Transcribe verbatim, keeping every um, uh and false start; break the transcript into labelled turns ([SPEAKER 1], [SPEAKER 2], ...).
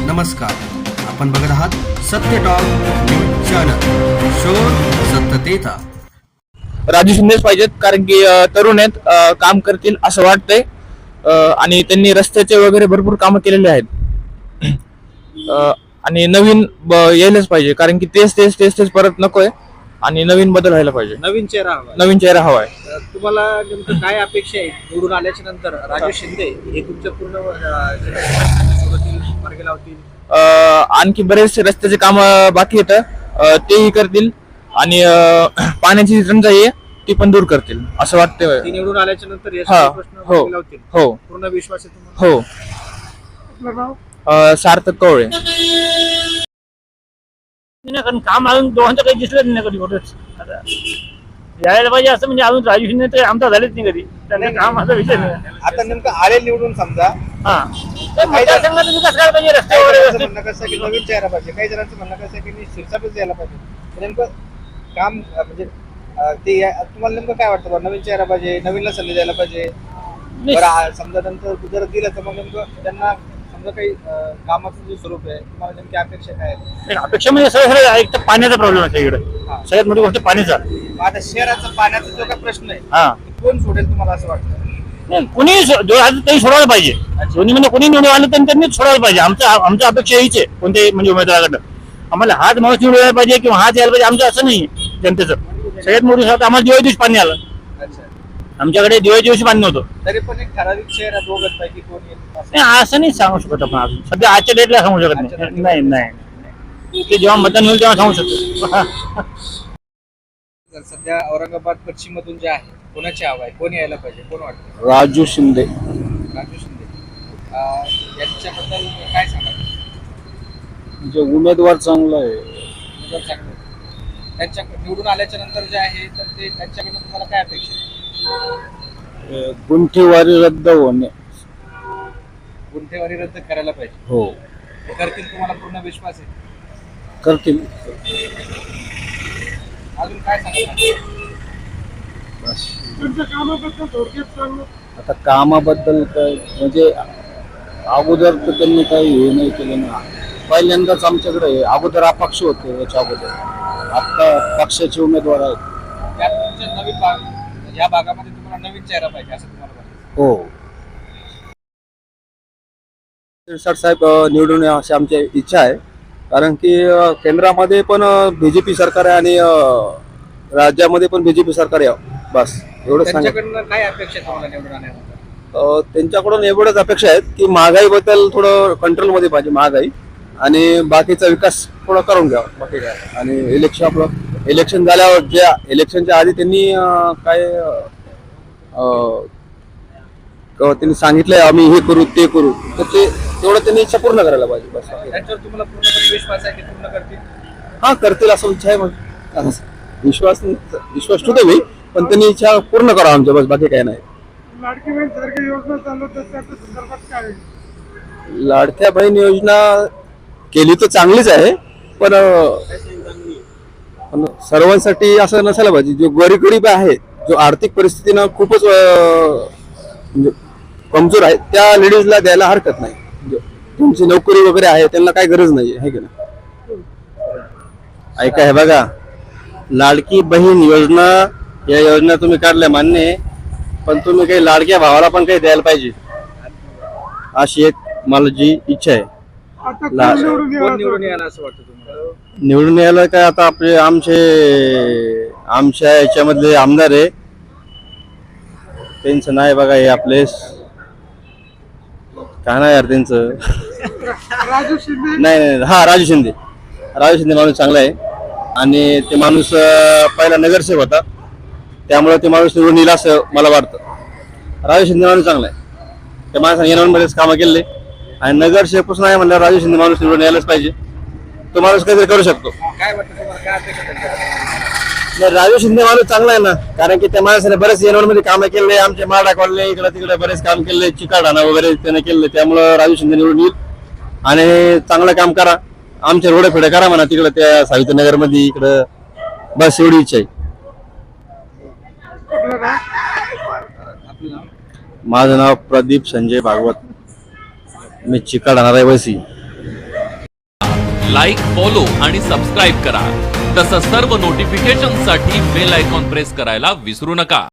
[SPEAKER 1] नमस्कार, आपण बघत आहात सत्य टॉक न्यूज चॅनल. शोध सत्यतेचा.
[SPEAKER 2] राजू शिंदेच पाहिजेत, कारण की तरुण आहेत, काम करतील असं वाटतंय. आणि त्यांनी रस्त्याचे वगैरे भरपूर कामं केलेले आहेत. आणि नवीन यायलाच पाहिजे, कारण की तेच तेच तेच तेच परत नकोय आणि नवीन बदल व्हायला पाहिजे.
[SPEAKER 3] नवीन चेहरा हवा
[SPEAKER 2] नवीन चेहरा हवा आहे.
[SPEAKER 3] तुम्हाला नेमकं काय अपेक्षा आहे निवडून आल्याच्या नंतर? राजू शिंदे हे तुमच्या पूर्ण मार्गी लावतील?
[SPEAKER 2] आणखी बरेचसे रस्त्याचे काम बाकी आहेत, तेही करतील आणि पाण्याची जी टंचाई आहे ती पण दूर करतील असं वाटतंय.
[SPEAKER 3] ती निवडून आल्याच्या नंतर हे
[SPEAKER 2] हा,
[SPEAKER 3] प्रश्न
[SPEAKER 2] हो,
[SPEAKER 3] मार्गी लावतील.
[SPEAKER 2] हो,
[SPEAKER 3] पूर्ण विश्वास आहे तुम्हाला?
[SPEAKER 2] हो. सार्थक कवळे.
[SPEAKER 4] नाही, कारण काम अजून दोघांचं काही दिसलं नाही कधी कुठंच. आता यायला पाहिजे असं म्हणजे अजून राजू शिंदे तर आमचा झालेच नाही कधी. त्यांना काम असा विषय नाही.
[SPEAKER 3] आता नेमकं आले निवडून समजा,
[SPEAKER 4] हा, तर मतदारसंघात विकास करायला पाहिजे, रस्ते वगैरे व्यवस्थित.
[SPEAKER 3] म्हणणं कसं आहे की नवीन चेहरा पाहिजे, काही जणांचं म्हणणं कसं आहे की शिरसाटच यायला पाहिजे. नेमकं काम अं, म्हणजे अं, ते या- तुम्हाला नेमकं काय वाटतं बा? नवीन चेहरा पाहिजे, नवीनला संधी द्यायला पाहिजे. बरं, आ- समजा नंतर जर दिलं तर मग नेमकं त्यांना समजा काही अं, कामाचं जे स्वरूप आहे, तुम्हाला नेमकी अपेक्षा काय आहे?
[SPEAKER 4] नाही, अपेक्षा म्हणजे सगळं सगळं एक तर पाण्याचा प्रॉब्लेम आहे इकडे.
[SPEAKER 3] हा.
[SPEAKER 4] सगळ्यात मोठी गोष्ट पाण्याचा.
[SPEAKER 3] मग आता शहराचा पाण्याचा जो काही प्रश्न आहे,
[SPEAKER 4] हा,
[SPEAKER 3] तो कोण सोडेल तुम्हाला असं वाटतं?
[SPEAKER 4] नाही, कुणी सो- जो आलं त्यांनी सोडायला पाहिजे. दोन्ही म्हणजे कोणी निवडून आलं तर त्यांनीच सोडायला पाहिजे. आमच्या आमच्या अपेक्षा हीच आहे कोणत्याही म्हणजे उमेदवाराकडं. आम्हाला हाच माणूस निवडून यायला पाहिजे किंवा हाच यायला पाहिजे, आमचं असं नाही जनतेचं. सगळ्यात मोठी गोष्ट आम्हाला दिवाळी दिवशी पाणी आलं.
[SPEAKER 3] अच्छा,
[SPEAKER 4] आमच्याकडे दिवाळी दिवशी पाणी नव्हतं.
[SPEAKER 3] तरी पण एक ठराविक चेहरा दोघांच पैकी कोण येईल असं?
[SPEAKER 4] नाही, असं नाही सांगू शकत आपण अजून. सध्या आजच्या डेटला सांगू शकत
[SPEAKER 3] आजच्या
[SPEAKER 4] नाही.
[SPEAKER 3] date ला.
[SPEAKER 4] नाही नाही नाही. ते जेव्हा मतदान होईल तेव्हा सांगू शकतो.
[SPEAKER 3] सध्या औरंगाबाद पश्चिम मधून जे आहे, कोणाची हवा आहे, कोण यायला पाहिजे, कोण वाटतं?
[SPEAKER 2] राजू शिंदे.
[SPEAKER 3] राजू शिंदे. अं, यांच्याबद्दल काय सांगाल?
[SPEAKER 2] म्हणजे उमेदवार चांगला आहे.
[SPEAKER 3] उमेदवार चांगले आहेत. त्यांच्या निवडून आल्याच्या नंतर जे आहे तर ते त्यांच्याकडनं तुम्हाला काय अपेक्षा आहे?
[SPEAKER 2] गुंठेवारी रद्द होणे.
[SPEAKER 3] गुंठेवारी रद्द करायला पाहिजे.
[SPEAKER 2] हो,
[SPEAKER 3] ते करतील, तुम्हाला पूर्ण विश्वास आहे?
[SPEAKER 2] करतील.
[SPEAKER 3] अजून काय सांगाल?
[SPEAKER 2] आता कामाबद्दल काय म्हणजे अगोदर तर त्यांनी काही हे नाही केलं ना. पहिल्यांदाच आमच्याकडे आहे. अगोदर अपक्ष होते, याच्या अगोदर आता पक्षाचे उमेदवार आहेत.
[SPEAKER 3] त्यात तुमच्या नवीन भाग, या भागामध्ये तुम्हाला नवीन चेहरा पाहिजे असं तुम्हाला वाटतं?
[SPEAKER 2] हो, शिरसाट साहेब निवडून या अशी आमची इच्छा आहे. कारण की अ, केंद्रामध्ये पण बीजेपी सरकार आहे आणि अ, राज्यामध्ये पण बीजेपी सरकार आहे. बस एवढं सांगा.
[SPEAKER 3] त्यांच्याकडनं काय अपेक्षा आहे तुम्हाला निवडून आल्यानंतर?
[SPEAKER 2] त्यांच्याकडून एवढंच अपेक्षा आहेत की महागाईबद्दल थोडं कंट्रोलमध्ये पाहिजे महागाई, आणि बाकीचा विकास थोडा करून घ्यावा, बाकी काय. आणि इलेक्शन आपलं इलेक्शन झाल्यावर ज्या इलेक्शनच्या आधी त्यांनी अ, काय अ, क- त्यांनी सांगितलंय आम्ही हे करू ते करू, तर ते तेवढं त्यांनी इच्छा पूर्ण करायला पाहिजे. बस
[SPEAKER 3] त्यांच्यावर तुम्हाला पूर्णपणे विश्वास आहे की पूर्ण करतील?
[SPEAKER 2] हा, करतील असं इच्छा आहे. मग विश्वास विश्वास ठेवतो मी, पण त्यांनी इच्छा पूर्ण करा आमच्या, बस बाकी काय नाही.
[SPEAKER 5] लाडकी बहीण सारखी योजना चालू तर त्याच्या संदर्भात काय आहे?
[SPEAKER 2] लाडक्या बहीण योजना केली तर चांगलीच आहे, पण पण सर्वांसाठी असं नसायला पाहिजे. जो गरीब आहे, जो आर्थिक परिस्थितीनं खूपच अं, म्हणजे कमजोर आहे, त्या लेडीजला द्यायला हरकत नाही. म्हणजे तुमची नोकरी वगैरे आहे, त्यांना काही गरज नाही आहे की नाही. ऐका, हे बघा, लाडकी बहीण योजना या योजना तुम्ही काढल्या मान्य आहे, पण तुम्ही काही लाडक्या भावाला पण काही द्यायला पाहिजे, अशी एक मला जी इच्छा आहे.
[SPEAKER 5] आता
[SPEAKER 2] ला-
[SPEAKER 5] कोण निवडून
[SPEAKER 3] कोण
[SPEAKER 5] यावं
[SPEAKER 3] निवडून यायला असं वाटतं तुम्हाला?
[SPEAKER 2] निवडून यायला काय, आता आपले आमचे आमच्या याच्यामधले आमदार आहे, त्यांचं नाही बघा, हे आपले काय नाही यार त्यांचं.
[SPEAKER 5] राजू शिंदे?
[SPEAKER 2] नाही नाही हा, राजू शिंदे. राजू शिंदे माणूस चांगला आहे, आणि ते माणूस अं, पहिला नगरसेवक होता, त्यामुळे ते माणूस निवडून येईल असं मला वाटतं. राजू शिंदे माणूस चांगला आहे, त्या माणसाने येणवरमध्येच कामं केले, आणि नगरसेवकच नाही म्हणल्यावर राजू शिंदे माणूस निवडून यायलाच पाहिजे. तो माणूस काहीतरी करू शकतो.
[SPEAKER 3] काय वाटतं तुम्हाला? काय अपेक्षा त्यांच्याकडे?
[SPEAKER 2] नाही, राजू शिंदे माणूस चांगला आहे ना, कारण की त्या माणसाने बरेच येणवरमध्ये कामं केले, आमचे माडा कॉलने इकडे तिकडे बरेच काम केले, चिकाडाणा वगैरे त्याने केले, त्यामुळं राजू शिंदे निवडून येईल आणि चांगलं काम करा. आमचे रोडे फेडे करा म्हणा तिकडे त्या सावित्रनगर मध्ये इकडं, बस एवढी इच्छा आहे.
[SPEAKER 5] आपलं नाव?
[SPEAKER 3] आपलं नाव?
[SPEAKER 2] माझं नाव प्रदीप संजय भागवत, मी चिकाडाणा रहिवासी.
[SPEAKER 6] लाईक, फॉलो आणि सबस्क्राईब करा. तसंच सर्व नोटिफिकेशनसाठी बेल आयकॉन प्रेस करायला विसरू नका.